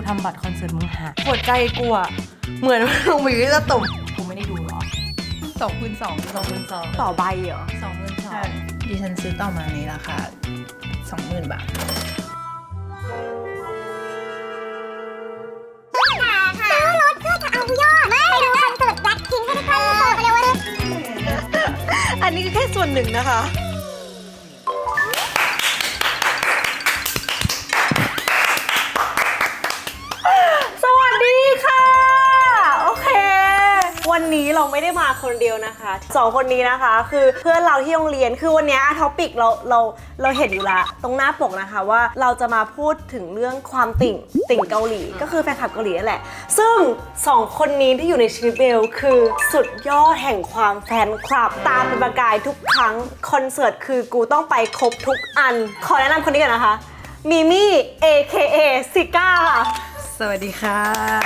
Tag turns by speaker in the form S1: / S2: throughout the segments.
S1: ทำบัตรคอนเสิร์ตมึงหาหัวใจกูอะเหมือนลงไปอยู่ที่ตะตุ่มกูไม่ได้ดูหรอ
S2: 2,200ต่อใบเหรอ
S3: ดิฉันซื้อต่อมาในราคา 20,000 บาท
S4: ซื้อรถเพื่อจะเอายอดไปดูคอนเสิร์ตแบล็คพิงค์ให้ได้ใกล้ที่สุดเร็วเลย
S2: อันนี้แค่ส่วนหนึ่งนะคะสวัสดีค่ะโอเควันนี้เราไม่ได้มาคนเดียวนะคะ2คนนี้นะคะคือเพื่อนเราที่โรงเรียนคือวันนี้ท็อปิกเราเห็นอยู่ละตรงหน้าปกนะคะว่าเราจะมาพูดถึงเรื่องความติ่งเกาหลีก็คือแฟนคลับเกาหลีนั่นแหละซึ่ง2คนนี้ที่อยู่ในชีวิตเบลคือสุดยอดแห่งความแฟนคลับตามเป็นประกายทุกครั้งคอนเสิร์ตคือกูต้องไปครบทุกอันขอแนะนำคนนี้ก่อนนะคะมิมี่ AKA ซิก้าค่ะ
S1: สวัสดีค่ะ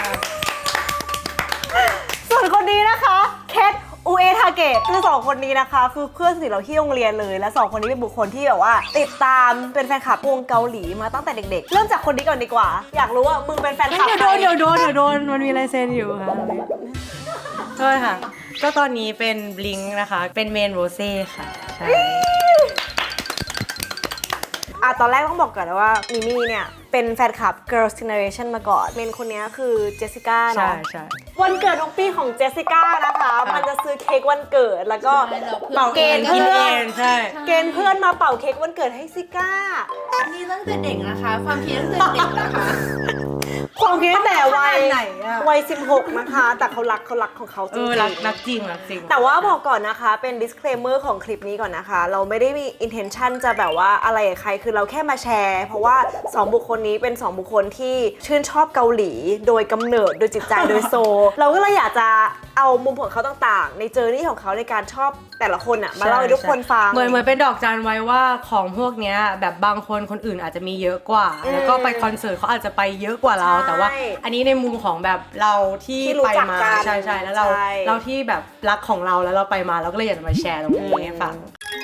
S2: ส่วนคนนี้นะคะเคทอูเอทาเกะคือ2คนนี้นะคะคือเพื่อนสนิทเราที่โรงเรียนเลยและ2คนนี้เป็นบุคคลที่แบบว่าติดตามเป็นแฟนคลับวงเกาหลีมาตั้งแต่เด็กๆเริ่มจากคนนี้ก่อนดีกว่าอยากรู้ว่ามึงเป็นแฟนคลับใคร
S1: เดี๋ยวโดนมันมีลายเซ็นอยู่ค่ะโทษค่ะก็ตอนนี้เป็นบลิงค์นะคะเป็นเมนโรเซ่ค่ะใช่
S2: ตอนแรกต้องบอกก่อนนะว่ามิมี่เนี่ยเป็นแฟนคลับ Girls' Generation มาก่อนเมนคนนี้คือเจสสิก้าเนาะ
S1: ใช่
S2: วันเกิดทุกปีของเจสสิก้านะคะมันจะซื้อเค้กวันเกิดแล้วก็เป่าเกณฑ์เพื่อน
S1: ใช่
S2: เกณฑ์เพื่อนมาเป่าเค้กวันเกิดให้ซิก้า
S3: นี่ตั้งแต่เด็กนะคะความคิดตั้งแต่เด็กนะคะ
S2: ความคิดตั้งแต่วัย16นะคะแต่เขารักของเขาจริง
S1: ๆรักจริง
S2: แต่ว่าบอกก่อนนะคะเป็น disclaimer ของคลิปนี้ก่อนนะคะเราไม่ได้มี intention จะแบบว่าอะไรกับใครคือเราแค่มาแชร์เพราะว่า2บุคคลนี้เป็น2บุคคลที่ชื่นชอบเกาหลีโดยกำเนิดโดยจิตใจโดยโซเราก็เลยอยากจะเอามุมของเขาต่างๆในเจอร์นี่ของเขาในการชอบแต่ละคนอะมาเล่าให้ทุกคนฟัง
S1: เหมือนเป็นดอกจันไว้ว่าของพวกเนี้ยแบบบางคนอื่นอาจจะมีเยอะกว่าแล้วก็ไปคอนเสิร์ตเขาอาจจะไปเยอะกว่าเราแต่ว่าอันนี้ในมุมของแบบเราที่ไปมาใช่แล้วเราที่แบบรักของเราแล้วเราไปมาเราก็เลยอยากจะมาแชร์ตรงนี้ให้ฟัง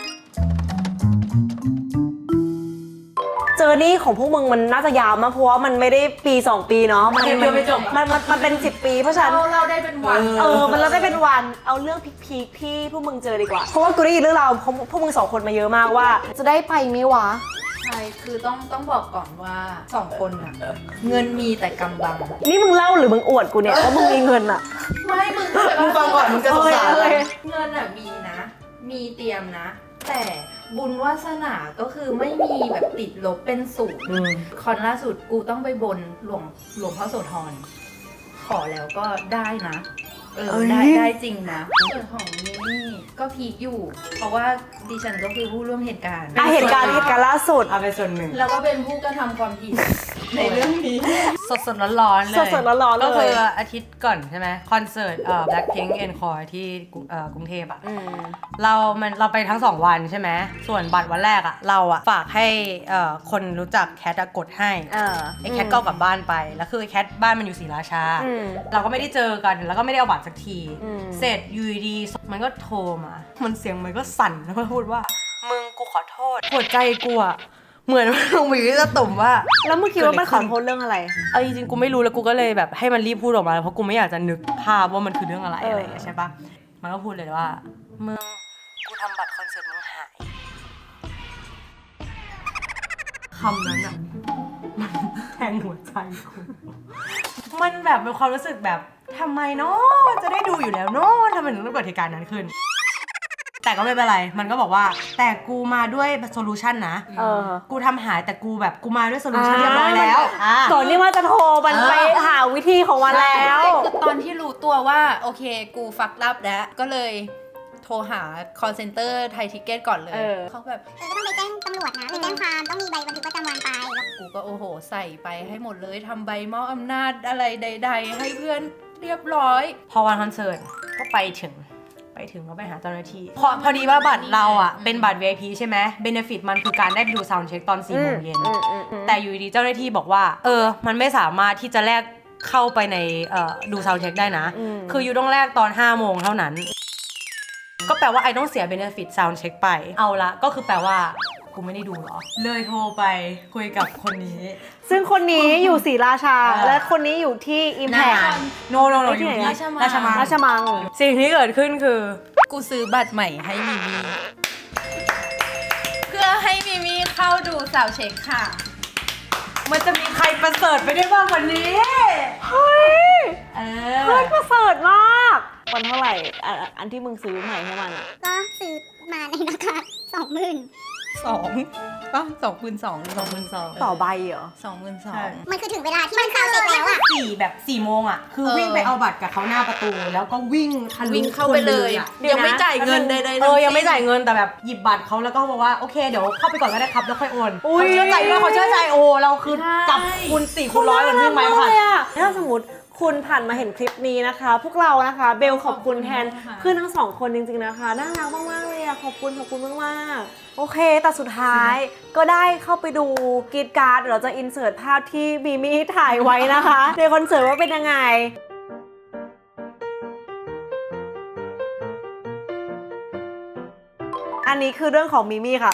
S2: เจอร์นี่ของพวกมึงมันน่าจะยาวมากเพราะว่ามันไม่ได้ปี2ปีเนาะมันเป็น10ปีเพราะฉะนั้น
S3: เราได้เป็นวัน
S2: มันเราได้เป็นวันเอาเรื่องพีคที่พวกมึงเจอดีกว่าเพราะว่ากูได้ยินเรื่องราวพวกมึง2คนมาเยอะมากว่าจะได้ไปมั้ยวะ
S3: ใช่คือต้องบอกก่อนว่า2คนน่ะเงินมีแต่กำบัง
S2: นี่มึงเล่าหรือมึงอวดกูเนี่ยว่ามึงมีเงินอะ
S3: ไม่มึง
S1: ฟังก่อนมึงจะสงสารเลย
S3: เงินอะมีนะมีเตรียมนะแต่บุญวาสนาก็คือไม่มีแบบติดลบเป็นศูนย์คอนล่าสุดกูต้องไปบนหลวงพ่อโสธรขอแล้วก็ได้นะได้จริงนะส่วนของมินี่ก็พีคอยู่เพราะว่าดิฉันก็คือผู้ร่วมเหตุการณ์
S2: เหตุการณ์ล่าสุด
S1: เป็นส่วนหนึ่ง
S3: แล้วก็เป็นผู้กระทำความผิดในเรื่องนี้
S1: สดร้อนเลย
S2: ร้อน
S1: ก็คืออาทิตย์ก่อนใช่ไหมคอนเสิร์ตBlackpink Encore ที่กรุงเทพอ่ะเราไปทั้ง2วันใช่ไหมส่วนบัตรวันแรกอ่ะเราอ่ะฝากให้คนรู้จักแคทกดให้ไอ้แคทก็กลับบ้านไปแล้วคือแคทบ้านมันอยู่ศรีราชาเราก็ไม่ได้เจอกันแล้วก็ไม่ได้เอาบัตรสักทีเสร็จยูดีมันก็โทรมามันเสียงมันก็สั่นแล้วก็พูดว่ามึงกูขอโทษหัวใจกูอะเหมือนลงไปอยู่ที่ตะตุ่มว่า
S2: แล้วมึงคิดว่ามันขอโทษเรื่องอะไร
S1: จริงๆกูไม่รู้แล้วกูก็เลยแบบให้มันรีบพูดออกมาเพราะกูไม่อยากจะนึกภาพว่ามันคือเรื่องอะไรอะไรใช่ปะมันก็พูดเลยว่ามึงกูทำบัตรคอนเสิร์ตมึงหายคำนั้นอะมันแทงหัวใจกูมันแบบเป็นความรู้สึกแบบทำไมเนาะจะได้ดูอยู่แล้วเนาะทำไมถึงต้องเกิดเหตุการณ์นั้นขึ้นแต่ก็ไม่เป็นไรมันก็บอกว่าแต่กูมาด้วยโซลูชันนะกูทำหายแต่กูมาด้วยโซลูชันเรียบร้อยแล้ว
S2: ก่อนที่ว่าจะโทรมันไปหาวิธีของมันแล้ว
S3: คือตอนที่รู้ตัวว่าโอเคกูฟักลับแล้วก็เลยโทรหา call center ไทยทิเก็ตก่อนเลยเขาแบบ
S4: ก็ต้องไปแจ้งตำรวจนะไปแจ้งความต้องมีใบบันทึกประจำวันไป
S3: กูก็โอ้โหใส่ไปให้หมดเลยทำใบมอบอำนาจอะไรใดๆให้เพื่อนเรียบร้อย
S1: พอวันคอนเสิร์ตก็ไปถึงก็ไปหาเจ้าหน้าที่พอดีว่าบัตรเราอ่ะเป็นบัตร VIP ใช่ไหมเบเนฟิตมันคือการได้ไปดูซาวด์เช็คตอน 4 โมงเย็นแต่อยู่ดีเจ้าหน้าที่บอกว่ามันไม่สามารถที่จะแลกเข้าไปในดูซาวด์เช็คได้นะคืออยู่ต้องแลกตอน 5 โมงเท่านั้นก็แปลว่าไอต้องเสียเบเนฟิตซาวด์เช็คไปเอาละก็คือแปลว่ากูไม่ได้ดูหรอเลยโทรไปคุยกับคนนี้
S2: ซึ่งคนนี้อยู่ศรีราชา และคนนี้อยู่ที่อิมแพค
S1: โนอยู่ที่ราชมัง
S2: ราชมัง
S1: สิ่งที่เกิดขึ้นคือ
S3: กูซื้อบัตรใหม่ให้มิมี่เพื่อให้มิมี่เข้าดูสาวเช็คค่ะ
S1: มันจะมีใครประเสริฐไปได้บ้างวันนี้
S2: เฮ้ย
S1: เอ
S2: เฮ้
S1: อ
S2: ยประเสริฐมากวันเท่าไหร่อันที่มึงซื้อใหม่ให้มันอะ
S4: ก็ซื้อมาในราคา20,000
S3: ป่ะ22,000
S2: ต่อใบเหรอ
S3: 22,000
S4: มันคือถึงเวลาที่มันเข้าเช็คแล้วอะ
S1: 4 โมงอ่ะ คือ
S3: เออ
S1: วิ่งไปเอาบัตรกับเขาหน้าประตู แล้วก็วิ่งทะลุ
S3: วิ่งเข้าไปเลย
S1: คนอะ
S3: ยังไม่จ่ายเงินใดๆ
S1: ยังไม่จ่ายเงินแต่แบบหยิบบัตรเขาแล้วก็บอกว่าโอเคเดี๋ยวเข้าไปก่อนก็ได้ครับแล้วค่อยโอน
S2: อุ๊ย
S1: เขาเชื่อใจด้วยเขาเชื่อใจโอ้เราคือจับคูณ4คูณ100เหมือนวิ่งไม้ผ่าน
S2: เลยอะถ้าสมมติคุณผ่านมาเห็นคลิปนี้นะคะ พวกเรานะคะเบลขอบคุณแทนเพื่อนทั้งสองคนจริงๆนะคะน่ารักมากๆเลยอะขอบคุณมากๆโอเคแต่สุดท้ายก็ได้เข้าไปดูกรีดการ์ดเดี๋ยวเราจะอินเสิร์ตภาพที่มีมี่ถ่ายไว้นะคะ ในคอนเสิร์ตว่าเป็นยังไง อันนี้คือเรื่องของมิมี่ค่ะ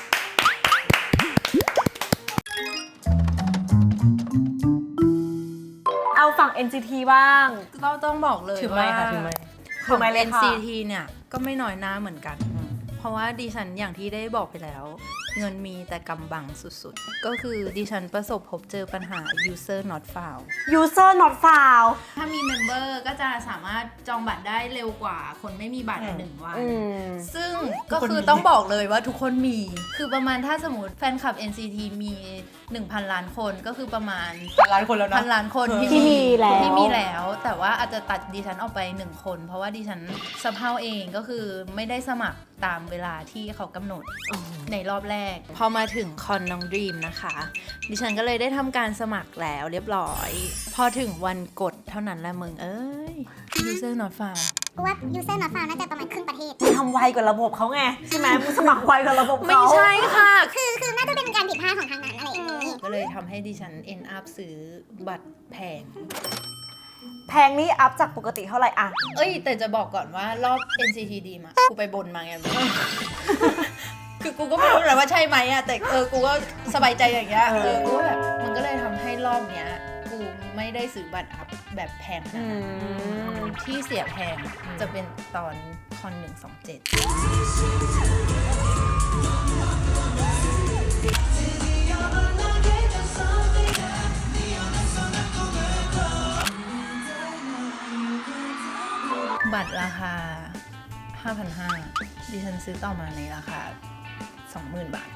S2: เอาฝั่ง NCT บ้าง
S3: ก็ต้องบอกเลย
S1: ถือไม
S3: ว่า
S1: ค์ค่ะถือไมค์
S2: ถือไมค์เลยค่ะ
S3: NCT เนี่ยก็ไม่น้อยหน้าเหมือนกัน เพราะว่าดิฉันอย่างที่ได้บอกไปแล้ว เงินมีแต่กำบังสุดๆ ก็คือดิฉันประสบพบเจอปัญหา user not found
S2: user not found
S3: ถ้ามีเมมเบอร์ก็จะสามารถจองบัตรได้เร็วกว่าคนไม่มีบัตร1 วัน ซึ่งก็คือต้องบอกเลยว่าทุกคนมี คือประมาณถ้าสมมติแฟนคลับ NCT มี 1,000 ล้านคนก็คือประมาณ
S1: 1,000 ล้านคนแล้วนะ
S3: 1,000 ล้านคน
S2: ที่มีแล้ว
S3: ที่มีแล้ว แต่ว่าอาจจะตัดดิฉันออกไป1 คน เพราะว่าดิฉันสะเพร่าเองก็คือไม่ได้สมัครตามเวลาที่เขากำหนดในรอบแรก พอมาถึงคอนน้องดรีมนะคะ ดิฉันก็เลยได้ทำการสมัครแล้วเรียบร้อย พอถึงวันกดเท่านั้นแหละมึงเอ้ย user not found
S4: กูว่า user not found น่าจะประมาณครึ่งประเทศ
S2: ทำไวกว่าระบบเขาไง ใช่ไหมมึงสมัครไวกว่าระบบเขา
S3: ไม่ใช่ค่ะ
S4: คือน่าจะเป็นการผิดพลาดของทางนั้นอะไรอย่างนี้
S3: ก็เลยทำให้ดิฉัน end up ซื้อบัตรแพง
S2: แพงนี่อัพจากปกติเท่าไหร่อะ
S3: เอ้ย แต่จะบอกก่อนว่ารอบ NCT ดีมากูไปบนมาไง คือกูก็ไม่รู้เลยว่าใช่ไหมอะแต่กูก็สบายใจอย่างเงี้ยกูก็แบบมันก็เลยทำให้รอบเนี้ยกูไม่ได้ซื้อบัตรอัพแบบแพงขนาดนั้นที่เสียแพงจะเป็นตอนคอน127บัตรราคา 5,500 ดิฉันซื้อต่อมาในราคา 20,000 บาท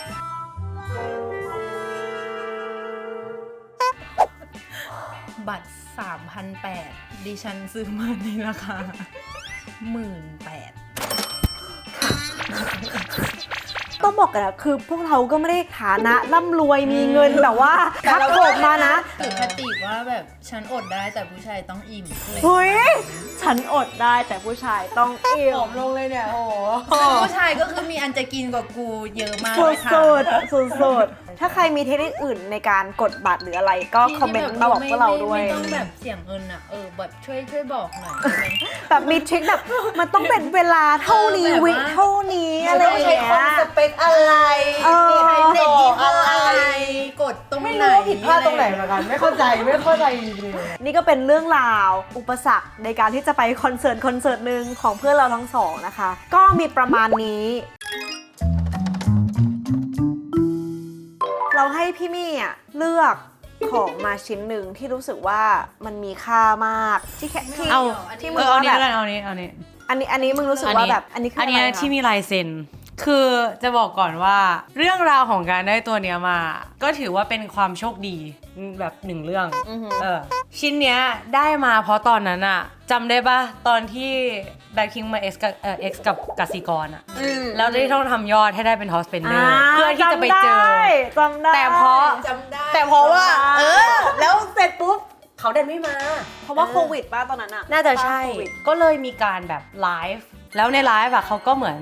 S3: บัตร 3,800 ดิฉันซื้อมาในราคา 18,000
S2: ต้องบอกกันนะคือพวกเราก็ไม่ได้ฐานะร่ำรวยมีเงินแบบว่าทับผมมานะ
S3: ถือคติว่าแบบฉันอดได้แต่ผู้ชายต้องอิ่มเลย
S2: เฮ้ย ฉันอดได้แต่ผู้ชายต้องอิ่
S1: ผม อมลงเลยเนี่ยโอ้โห
S3: ผู้ชายก็คือมีอันจะกินกว่ากูเยอะมาก
S2: สุ
S3: เล
S2: ด
S3: ยค่ะ
S2: สุดสุดสุดๆถ้าใครมีเทคนิคอื่นในการกดบัตรหรืออะไรก็คอมเมนต์มาบอกพวกเราด้วย
S3: ไม่ต้องแบบเสียงเงินอะแบบช่วยบอกหน่อยได้ไหม
S2: แบบมีทริคแบบมันต้องเป็นเวลาเท่านี้
S3: แบบว่า
S2: วิเท่านี้อะไรอย่างเงี้ย
S1: อะไร
S2: เออ
S3: เด็กยี่ห้ออะไรกดตรงไหน
S1: ไม่รู้ว่าผิดพลาดตรงไหนเหมือนกันไม่เข้าใจจริงๆ
S2: นี่ก็เป็นเรื่องราวอุปสรรคในการที่จะไปคอนเสิร์ตหนึ่งของเพื่อนเราทั้งสองนะคะ ก็มีประมาณนี้ เราให้พี่มี่อ่ะเลือกของมาชิ้นหนึ่งที่รู้สึกว่ามันมีค่ามากที่แค่ที่
S1: เอา
S2: ที่มึง
S1: เอา
S2: ว่า
S1: นี้
S2: แบบ
S1: แล้วกันเอานี้
S2: อันนี้มึงรู้สึกว่าแบบอันนี้คือ
S1: อั
S2: อะ
S1: น
S2: ไร
S1: นี้
S2: คะ
S1: ที่มีลายเซ็น คือจะบอกก่อนว่าเรื่องราวของการได้ตัวเนี้ยมา ก็ถือว่าเป็นความโชคดีแบบหนึ่งเรื่องชิ้นเนี้ยได้มาเพราะตอนนั้นอะจำได้ปะตอนที่แบ็คคิงมาเอ็กซ์กับกสิกรอะแล้วได้ต้องทำยอดให้ได้เป็นฮอสเปนเดอร์เพื่อที่จะไปเจอ
S2: จำได้
S1: แต่เพราะ
S3: จำได้
S1: แต่เพราะว่าแล้วเสร็จปุ๊บเขาเดินไม่มา
S2: เพราะว่าโควิดป่ะตอนนั้นอะ
S1: น่าจะใช่
S2: โควิด
S1: ก็เลยมีการแบบไลฟ์ แล้วในไลฟ์อะเขาก็เหมือน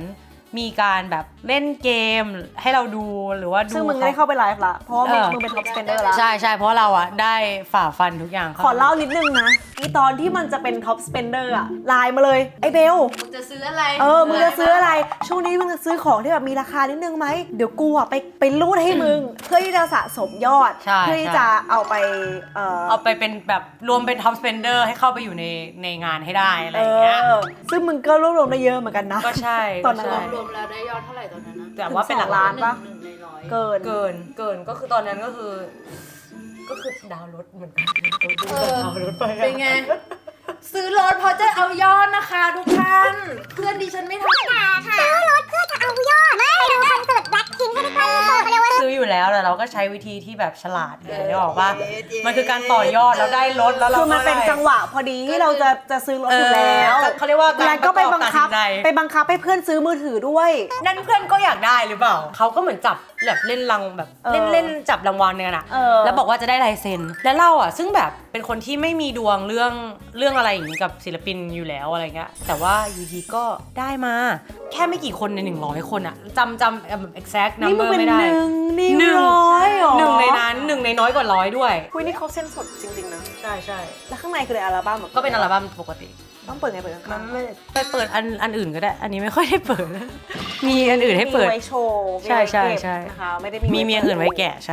S1: มีการแบบเล่นเกมให้เราดูหรือว่าดู
S2: ซึ่งมึงได้เข้าไปไลฟ์ละเพราะว่ามึงเป็นท็อปสเปนเดอร์ละ
S1: ใช่ใช่เพราะเราอะได้ฝ่าฟันทุกอย่าง
S2: ขอเล่านิดนึงนะอีตอนที่มันจะเป็นท็อปสเปนเดอร์อะไลน์มาเลยไอ้เบล
S3: มึงจะซื้ออะไร
S2: มึงจะซื้ออะไรช่วงนี้มึงจะซื้อของที่แบบมีราคานิดนึงไหมเดี๋ยวกูอะไปรูดให้มึง เพื่อที่จะสะสมยอด
S1: ใช่
S2: เพื่อที่จะเอาไป
S1: เอาไปเป็นแบบรวมเป็นท็อปสเปนเดอร์ให้เข้าไปอยู่ในงานให้ได้อะไรอย่างเงี้ย
S2: ซึ่งมึงก็รวบรวมได้เยอะเหมือนกันนะ
S1: ก็ใช่
S2: ตอนนั้น
S1: ก็ใช่
S3: รวมแล้วได้ยอดเท่าไหร่ตอนนั้นนะ
S1: แต่ว่าเป็นหลักล้าน
S2: ปะ
S3: หนึ่งในร้อย
S2: เกิน
S1: เกินก็คือตอนนั้นก็คือดาวน์รถเหมือนกันดาวน์รถไป
S3: เป็นไง ซื้อรถเพราะจะเอายอดนะคะทุกท่าน เพื่อนดิฉันไม่ทำ
S4: ซื้อรถเพื่อจะเอายอดไปดูคอนเสิร์ตแบล็คพิงค์ให้ได้เขาเรียกว่า
S1: ซื้ออยู่แล้วแต่เราก็ใช้วิธีที่แบบฉลาดไงได้บอกว่ามันคือการต่อยอดแล้วได้รถแล้วเรา
S2: คือมันเป็นจังหวะพอดีที่เราจะซื้อรถอยู่แล้ว
S1: เขาเรียกว่า
S2: แล้วก็ไปบังคับ
S1: ใจ
S2: ไปบังคับให้เพื่อนซื้อมือถือด้วย
S1: นั่นเพื่อนก็อยากได้หรือเปล่าเขาก็เหมือนจับแบบเล่นรางแบบ เล่นจับรางวัลเนี่ยนะแล้วบอกว่าจะได้ลายเซ็นแล้วเราอ่ะซึ่งแบบเป็นคนที่ไม่มีดวงเรื่องอะไรอย่างนี้กับศิลปินอยู่แล้วอะไรเงี้ยแต่ว่าอยู่ดีก็ได้มาแค่ไม่กี่คนใน100คนอ่ะจำแบบ exact
S2: นี่มึง
S1: number
S2: เป็น
S1: ไม่ได้
S2: หนึ่งร้อยเหรอ
S1: หนึ่งในนั้นหนึ่งในน้อยกว่า100ด้วย
S2: คุยนี่เขาเส้นสดจริงๆนะ
S1: ใช่ใช่
S2: แล้วข้างในคือในอัลบั้มหรอ
S1: ก็เป็นอัลบั้มปกติ
S2: ต้องเปิดไงเปิดข้างๆ
S1: ไปเปิดอันอื่นก็ได้ อันนี้ไม่ค่อยได้เปิด มีอันอื่นให้เปิด
S2: มีไว้โชว์
S1: ใช่ใช่ใช่
S2: นะคะไม่ได้
S1: มีอันอื่นไว้แกะใช่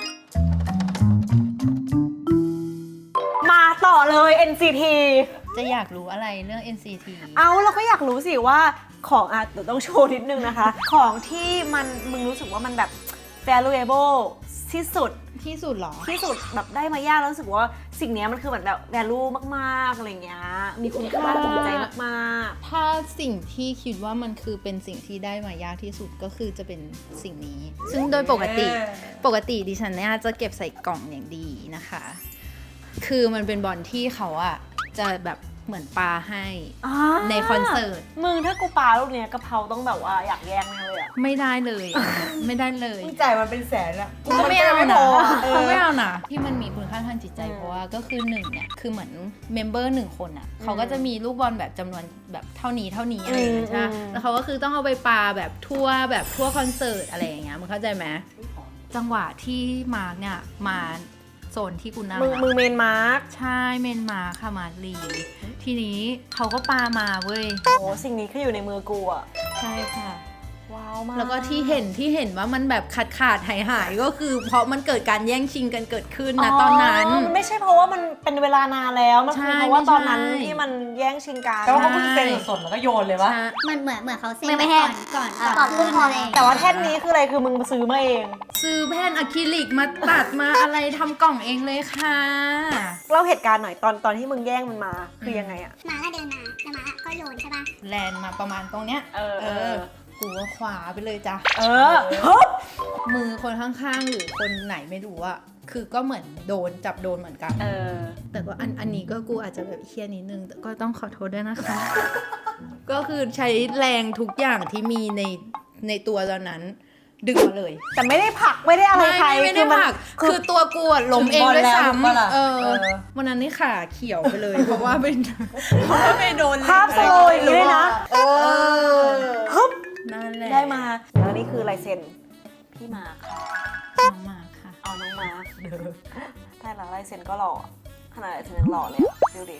S2: มาต่อเลย NCT
S3: จะอยากรู้อะไรเรื่อง NCT
S2: เอาเราก็อยากรู้สิว่าของเดี๋ยวต้องโชว์นิดนึงนะคะ ของที่มึงรู้สึกว่ามันแบบ valuable ที่สุด
S3: ที่สุดเหรอ
S2: ที่สุดแบบได้มายากแล้วรู้สึกว่าสิ่งเนี้ยมันคือเหมือนแบบ value มากๆอะไรเงี้ยมีคุณค่าทางใจมาก
S5: ถ้าสิ่งที่คิดว่ามันคือเป็นสิ่งที่ได้มายากที่สุดก็คือจะเป็นสิ่งนี้ ซึ่งโดยปกติดิฉันเนี่ยจะเก็บใส่กล่องอย่างดีนะคะ คือมันเป็นบอลที่เขาอะจะแบบเหมือนปาให้
S2: ๆ
S5: ในคอนเสิร์ต
S2: มึงถ้ากูปาลูกเนี้ยกะเพราต้องแบบว่าอยากแย่งแน่เลยอะ
S5: ไม่ได้เลย ไม่ได้เลย
S1: จ่ายมันเป็นแสนอะ
S5: ก็ไม่เอานะ
S1: เออ
S5: ไม่เอานะที่มันมีคุณค่าทางจิตใจเพราะว่าก็คือหนึ่งเนี่ยคือเหมือนเมมเบอร์1คนอ่ะเขาก็จะมีลูกบอลแบบจำนวนแบบเท่านี้อะไรอย่างเงี้ยใช่ไหมแล้วเขาก็คือต้องเอาไปปาแบบทั่วคอนเสิร์ตอะไรอย่างเงี้ยมึงเข้าใจไหมจังหวะที่มาร์กเนี่ยมาโซนที่กูนั่ง
S2: มึงเมนมาร์ค
S5: ใช่เมนมาค่ะมาร์กลีทีนี้เขาก็ปามาเว้ย
S2: โอ้สิ่งนี้คืออยู่ในมือกูอะ
S5: ใช่ค่ะ
S2: ว้าวมาก
S5: แล้วก็ที่เห็นว่ามันแบบขาดหายก็คือเพราะมันเกิดการแย่งชิงกันเกิดขึ้นนะตอนนั้น
S2: มันไม่ใช่เพราะว่ามันเป็นเวลานานแล้วมันคือ
S5: ใช่
S2: เพราะว่าตอนนั้น
S5: ไม่ใช่
S2: ที่มันแย่งชิงกัน
S1: แต่ว่าเขาเพิ่งเซ็นสดๆแล้วก็โยนเลยวะ
S5: ใช่
S4: เหมือนเขาเซ็น
S3: ไม่แห้ง
S4: ก่อนขึ้นพอเลย
S2: แต่ว่าแท่นนี้คืออะไรคือมึงซื้อมาเอง
S5: ซื้อแผ่นอะคริลิกมาตัดมาอะไรทำกล่องเองเลยค่ะ
S2: เล่าเหตุการณ์หน่อยตอนที่มึงแย่งมันมาคือยังไงอะ
S4: หมาก็เดินมาแล้วหมาก็โยนใช่ป่ะ
S5: แลนมาประมาณตรงเนี้ย กูก็ขวาไปเลยจ้ะ
S2: ฮึบ
S5: มือคนข้างๆหรือคนไหนไม่รู้อะคือก็เหมือนจับโดนเหมือนกัน แต่ก็อันนี้ก็กูอาจจะแบบเฮี้ยนิดนึงแต่ก็ต้องขอโทษด้วยนะคะ ก็คือใช้แรงทุกอย่างที่มีในตัวตอนนั้น ดึงมาเลย
S2: แต่ไม่ได้ผลักไม่ได้อะไรใคร
S5: ไม่ได้
S2: มัน
S5: ผลักคือตัวกูอะล้มเองด้วยซ้
S1: ถึงบอลแล้วถูกปะล่ะ
S5: ำวันนั้นนี่ขาเขียวไปเลย เพราะว่าไปโดน
S2: ภาพสโลว์อย่างนี้เลยนะฮึบ
S5: นั่นแหละ
S2: ได้มาแล้วนี่คือลายเซ็นพี่มาค่ะ
S5: น้องมาค่ะ
S2: เอาน้องมาแต่ละลายเซ็นก็หล่อขนาดลายเซ็นยังหล่อเลยอะดูดิ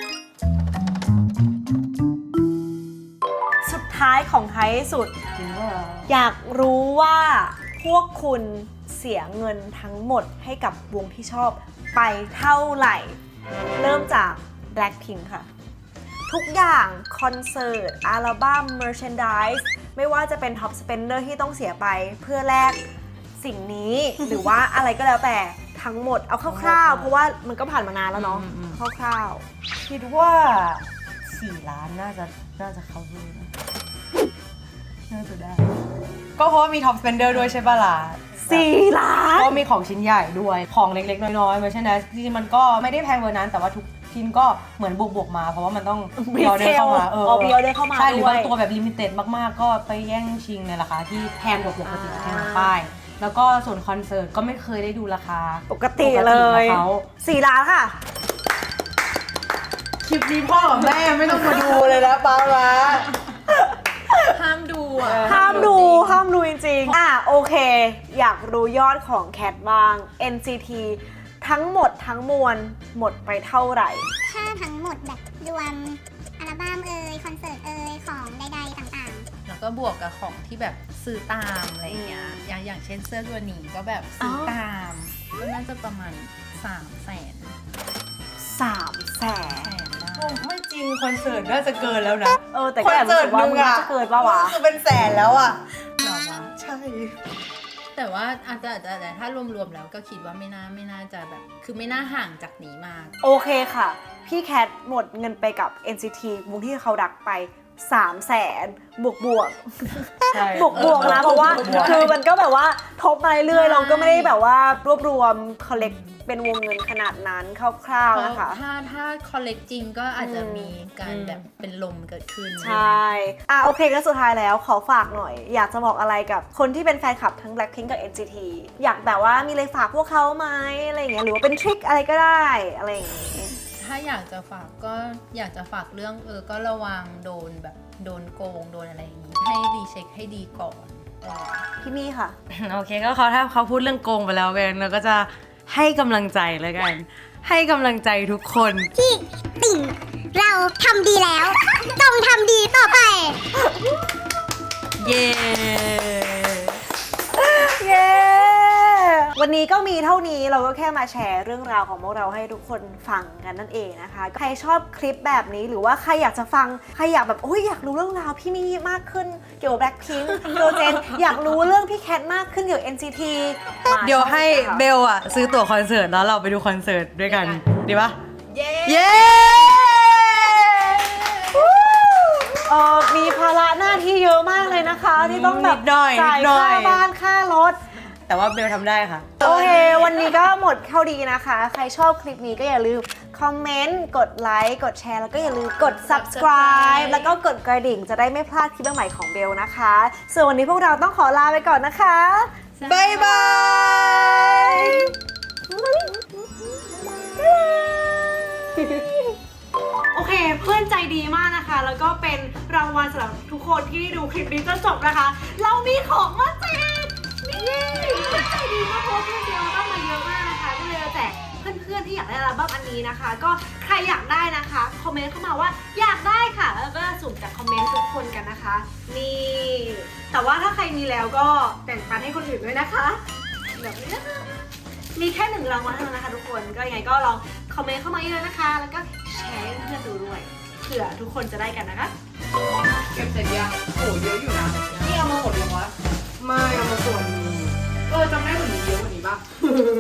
S2: สุดท้ายของท้ายสุด อยากรู้ว่าพวกคุณเสียเงินทั้งหมดให้กับวงที่ชอบไปเท่าไหร่ เริ่มจาก Blackpink ค่ะ ทุกอย่างคอนเสิร์ตอัลบั้มเมอร์แชนดายส์ไม่ว่าจะเป็นท็อปสเปนเดอร์ที่ต้องเสียไปเพื่อแลกสิ่งนี้ หรือว่าอะไรก็แล้วแต่ทั้งหมดเอาคร่าวๆ เพราะว่ามันก็ผ่านมานานแล้วเนาะคร่าว
S1: คิดว่า4 ล้านน่าจะเข้าด้วยนะน่าจะได้ ก็เพราะว่ามีท็อปสเปนเดอร์ด้วยใช่ป่ะล่ะ
S2: ๆ4 ล้าน
S1: ก็มีของชิ้นใหญ่ด้วยของเล็กๆน้อยๆเพราะฉะนั้นจริงๆมันก็ไม่ได้แพงกว่านั้นแต่ว่าทุกชิ้นก็เหมือนบวกๆมาเพราะว่ามันต้อง
S2: มี
S1: ออเดอร์เข้ามา
S2: มีออเดอร์เข้ามา
S1: ใช่หรือ
S2: ด้วย
S1: บางตัวแบบลิมิเต็ดมากๆ ก็ไปแย่งชิงในราคาที่แพงกว่าปกติแพงกว่าป้ายแล้วก็ส่วนคอนเสิร์ตก็ไม่เคยได้ดูราคา
S2: ปกติเลย
S1: ของเขา
S2: 4 ล้านค่ะ
S1: คลิปนี้พ่อกับแม่ไม่ต้องมาดูเลยนะป้าละ
S5: ห้ามดู
S3: อ่ะ
S2: ห้ามดูจริงๆโอเค อยากรู้ยอดของแคทบ้าง NCT ทั้งหมดทั้งมวลหมดไปเท่าไหร่
S4: ถ้าทั้งหมดแบบรวมอัลบั้มคอนเสิร์ตของใดๆต่างๆ
S5: แล้วก็บวกกับของที่แบบซื้อตามอะไรเงี้ยอย่างเช่นเสื้อตัวนี้ก็แบบซื้อตามก็น่าจะประมาณ300,000
S2: 300,000
S5: ได้
S1: ไม่จริงคอนเสิร์ตน่าจะเกินแล้วนะ
S2: แต่ก็แอบรู้สึกว่ามันน่าจะเกินป่าวะ
S1: คือเป็นแสนแล้วอ่ะ
S5: หรอวะ
S1: ใช่
S5: แต่ว่าอาจจะแต่ถ้ารวมๆแล้วก็คิดว่าไม่น่าจะแบบคือไม่น่าห่างจากนี้มาก
S2: โอเคค่ะ พี่แคทหมดเงินไปกับ NCT วงที่เขาดักไป 300,000 บวก
S1: ใช่
S2: บวกนะเพราะว่าคือมันก็แบบว่าทบมาเรื่อยๆเราก็ไม่ได้แบบว่ารวบรวม collect เป็นวงเงินขนาดนั้นคร่าวๆนะคะ
S5: ถ้าคอลเลกจริงก็อาจจะมีการแบบเป็นลมเกิดขึ้น
S2: ใช่โอเคก็สุดท้ายแล้วขอฝากหน่อย อยากจะบอกอะไรกับคนที่เป็นแฟนคลับทั้ง Blackpink กับ NCT อยากแบบว่ามีอะไรฝากพวกเขาไหมอะไรอย่างเงี้ยหรือว่าเป็นทริคอะไรก็ได้อะไรอย่างเงี้ย
S5: ถ้าอยากจะฝากก็อยากจะฝากเรื่องก็ระวังโดนแบบโดนโกงโดนอะไรอย่างงี้ให้รีเช็คให้ดีก่อน
S2: พี่มี่ค่ะ
S1: โอเคก็ถ้าเขาพูดเรื่องโกงไปแล้วกันเราก็จะให้กำลังใจแล้วกัน ให้กำลังใจทุกคน
S4: ที่ติ่งเราทำดีแล้ว ต้องทำดีต่อไป
S1: เย้
S2: เย้ วันนี้ก็มีเท่านี้เราก็แค่มาแชร์เรื่องราวของพวกเราให้ทุกคนฟังกันนั่นเองนะคะ ใครชอบคลิปแบบนี้หรือว่าใครอยากจะฟังใครอยากแบบอยากรู้เรื่องราวพี่มี่มากขึ้นเกี่ยวกับ Blackpink โดเจนอยากรู้เรื่องพี่แคทมากขึ้นเกี่ยวกับ NCT
S1: เดี๋ยวให้เบลอะซื้อตั๋วคอนเสิร์ตแล้วเราไปดูคอนเสิร์ตด้วยกัน ดีปะ
S5: เย้
S1: เย้
S2: มีภาระหน้าที่เยอะมากเลยนะคะ ที่ต้องแบบ
S1: นิดหน่อย
S2: จ่าย
S1: นิดหน่
S2: ค่า
S1: อย
S2: บ้านค่ารถ
S1: แต่ว่าเบลทำได้ค่ะ
S2: โอเค วันนี้ก็หมดเท่าดีนะคะ ใครชอบคลิปนี้ก็อย่าลืมคอมเมนต์ กดไลค์ กดแชร์ แล้วก็อย่าลืมกด subscribe แล้วก็กดกระดิ่งจะได้ไม่พลาดคลิปใหม่ๆของเบลนะคะ ส่วนวันนี้พวกเราต้องขอลาไปก่อนนะคะ
S1: บ๊ายบาย
S2: โอเค เพื่อนใจดีมากนะคะ แล้วก็เป็นรางวัลสำหรับทุกคนที่ดูคลิปนี้จนจบนะคะ เรามีของมาแจกนี่เพื่อนใจดีมากเพราะว่าเพื่อนเดียวต้องมาเยอะมากนะคะก็เลยจะแจกเพื่อนๆที่อยากได้อัลบั้มอันนี้นะคะ ก็ใครอยากได้นะคะคอมเมนต์เข้ามาว่าอยากได้ค่ะแล้วก็สุ่มจากคอมเมนต์ทุกคนกันนะคะนี่แต่ว่าถ้าใครมีแล้วก็แบ่งปันให้คนอื่นด้วยนะคะแบบนี้นะคะมีแค่1รางวัลเท่านั้นนะคะทุกคนก็ยังไงก็ลองคอมเมนต์เข้ามาเยอะๆนะคะ แล้วก็แชร์ให้เพื่อนดูด้วยเผื่อทุกคนจะได้กันนะคะ
S3: เก็บเสร็จยังโหเยอะอยู่นะนี่เอามาหมดเลยวะ
S1: ไม่เอามาส่วน
S3: จำได้เหมือนมีเยอะกว่านี้ป่ะ